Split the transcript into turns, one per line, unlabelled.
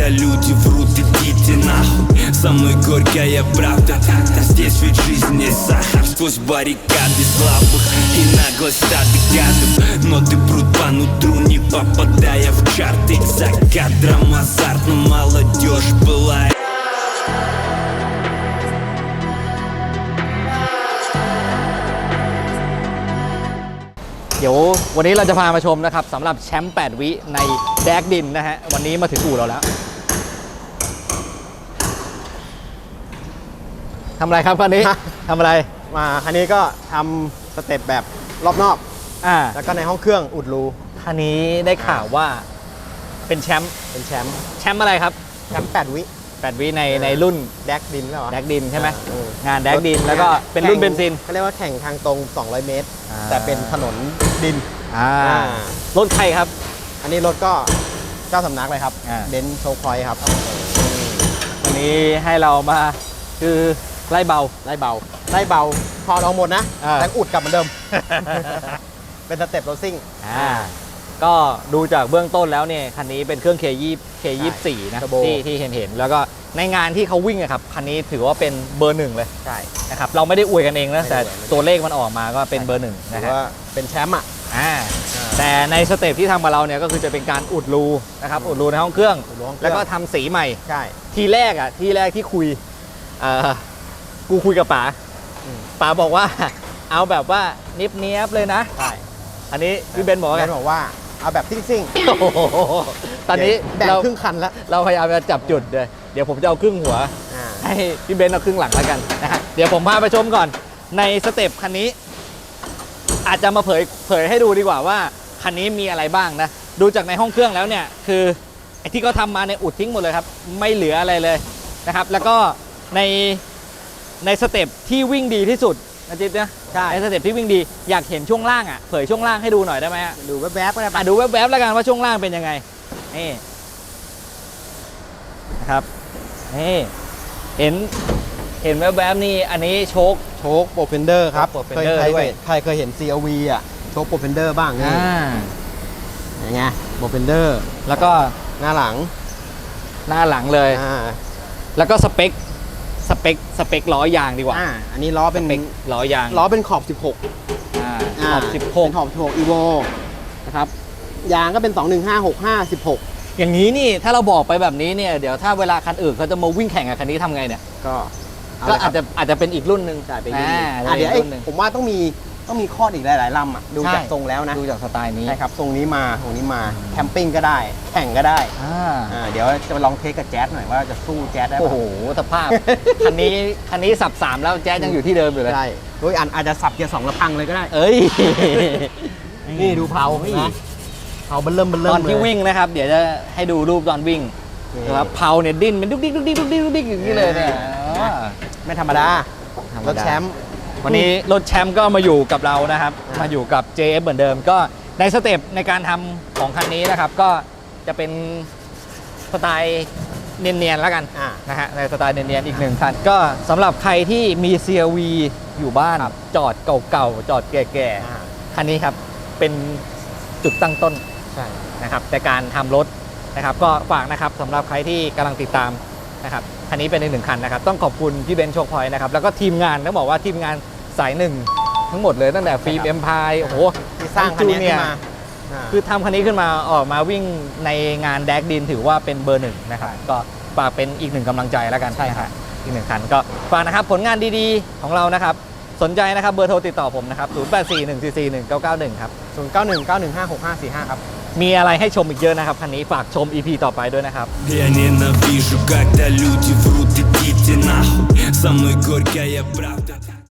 когда люди врут, идите нахуй. Со мной горькая правда, здесь ведь жизнь не сахар. Сквозь баррикады слабых и наглость стадных гадов. Но ты брут по нутру, не попадая в чарты. За кадром азарт, но молодежь была.
เดี๋ยววันนี้เราจะพามาชมนะครับสำหรับแชมป์8 วิในแดกดินนะฮะวันนี้มาถึงอู่เราแล้วทำอะไรครับคันนี้ทำอะไร
มาคันนี้ก็ทำสเต็ปแบบรอบนอกแล้วก็ในห้องเครื่องอุดรู
คันนี้ได้ข่าวว่าเป็นแชมป์อะไรครับ
แชมป์8 วิ
ในรุ่น
แดกดินแล้ว
แดกดินใช่ไหมงานแดกดินแล้วก็เป็นรุ่นเบนซิน
เขาเรียกว่าแข่งทางตรง200 เมตรแต่เป็นถนนดิน
รถใครครับ
อันนี้รถก็เจ้าสำนักเลยครับเบนซ์โชว์พอยครับ
วันนี้ให้เรามาคือไล่เบา
พอลองหมดนะแต่อุดกลับเหมือนเดิมเป็นสเต็ปโรซิ่ง
ก็ดูจากเบื้องต้นแล้วเนี่ยคันนี้เป็นเครื่อง K24 นะที่เห็นแล้วก็ในงานที่เขาวิ่งอะครับคันนี้ถือว่าเป็นเบอร์ 1เลย
ใช่
นะครับเราไม่ได้อวยกันเองนะแต่ตัวเลขมันออกมาก็เป็นเบอร์ 1นะฮะ
ว่าเป็นแชมป์
แต่ในสเต็ปที่ทำมาเราเนี่ยก็คือจะเป็นการอุดรูนะครับอุดรูในห้องเครื่องแล้วก็ทำสีใหม่
ใช่
ทีแรกที่คุยกูคุยกับป๋าบอกว่าเอาแบบว่าเนียบเลยนะ
ใช่
อันนี้พี่เบนบอก
ว่าเอาแบบซิ่ง
ตอนนี้
แบ่งครึ่งคันแล้ว
เราพยายามจะจับจุดเลยเดี๋ยวผมจะเอาครึ่งหัวให้พี่เบนเอาครึ่งหลังแล้วกันนะฮะเดี๋ยวผมพาไปชมก่อนในสเต็ปคันนี้อาจจะมาเผยให้ดูดีกว่าว่าคันนี้มีอะไรบ้างนะดูจากในห้องเครื่องแล้วเนี่ยคือไอ้ที่เขาทำมาในอุดทิ้งหมดเลยครับไม่เหลืออะไรเลยนะครับแล้วก็ในสเต็ปที่วิ่งดีที่สุดนะจิ๊บเนี่ยในสเต็ปที่วิ่งดีอยากเห็นช่วงล่างเผยช่วงล่างให้ดูหน่อยได้ไหม
ดูแวบๆก็ได้
ดูแวบๆแล้วกันว่าช่วงล่างเป็นยังไงนี่นะครับนี่เห็นแวบๆนี่อันนี้โชค
โปรเฟนเดอร์ครับใครเคยเห็น CRV โชคโปรเฟนเดอร์บ้างนี่อย่างเงี้ยโปรเฟนเดอร์
แล้วก็
หน้าหลั
งเลยแล้วก็สเปคล้อยางดีกว่า
อันนี้ล้อเป็น
ล้อยาง
ล้อเป็นขอบ16
ขอบ16
Evo นะครับยางก็เป็น215/65/16
อย่างนี้นี่ถ้าเราบอกไปแบบนี้เนี่ยเดี๋ยวถ้าเวลาคันอื่นเขาจะมาวิ่งแข่งกับคันนี้ทำไงเนี่ยก็อาจจะเป็นอีกรุ่นหนึ่ง
เดี๋ยวผมว่าต้องมีข้ออีกหลายๆลำดูจากทรงแล้วนะ
ดูจากสไตล์นี้
ใช่ครับทรงนี้มาแคมปิ้งก็ได้แข่งก็ได้เดี๋ยวจะไปลองเทสกับแจ๊สหน่อยว่าจะสู้แจ๊สได้ไหม
โอ้โหสภาพคันนี้สับ3แล้วแจ๊สยังอยู่ที่เดิมอยู่เลย
ใช่โดยอาจจะสับเกียร์2แล้วพังเลยก็ได้นี่ดูเผานะเผาเบิ่ม
ตอนที่วิ่งนะครับเดี๋ยวจะให้ดูรูปตอนวิ่งนะครับเผาเนี่ยดิ้นเป็นดุ๊กดิ๊กอย่างนี้เลยเนี่ย
ไม่ธรรมดารถแชมป์
วันนี้รถแชมป์ก็มาอยู่กับเรานะครับมาอยู่กับ JF เหมือนเดิมก็ในสเต็ปในการทำของคันนี้นะครับก็จะเป็นสไตล์เนียนๆแล้วกันนะฮะในสไตล์เนียนๆอีก1คันก็สำหรับใครที่มี CRV อยู่บ้านจอดเก่าๆจอดแก่ๆคันนี้ครับเป็นจุดตั้งต้นนะครับในการทำรถนะครับก็ฝากนะครับสำหรับใครที่กำลังติดตามนะครับคันนี้เป็นอีก1คันนะครับต้องขอบคุณพี่เบนซ์โชคพอยต์นะครับแล้วก็ทีมงานต้องบอกว่าทีมงานสาย1ทั้งหมดเลยตั้งแต่ฟิล์มเอ็มพายโอ้โห
ที่สร้างคันนี้ขึ้นมา
คือทำคันนี้ขึ้นมาออกมาวิ่งในงานแดกดินถือว่าเป็นเบอร์1นะครับก็ฝากเป็นอีก1กำลังใจแล้วกันใช่ครับอีก1คันก็ฝากนะครับผลงานดีๆของเรานะครับสนใจนะครับเบอร์โทรติดต่อผมนะครับ0841441991ครับ
0919156545ครับ
มีอะไรให้ชมอีกเยอะนะครับคันนี้ฝากชม EP ต่อไปด้วยนะครับ
Я ненавижу, когда люди врут, идите нахуй. Со мной горькая правда.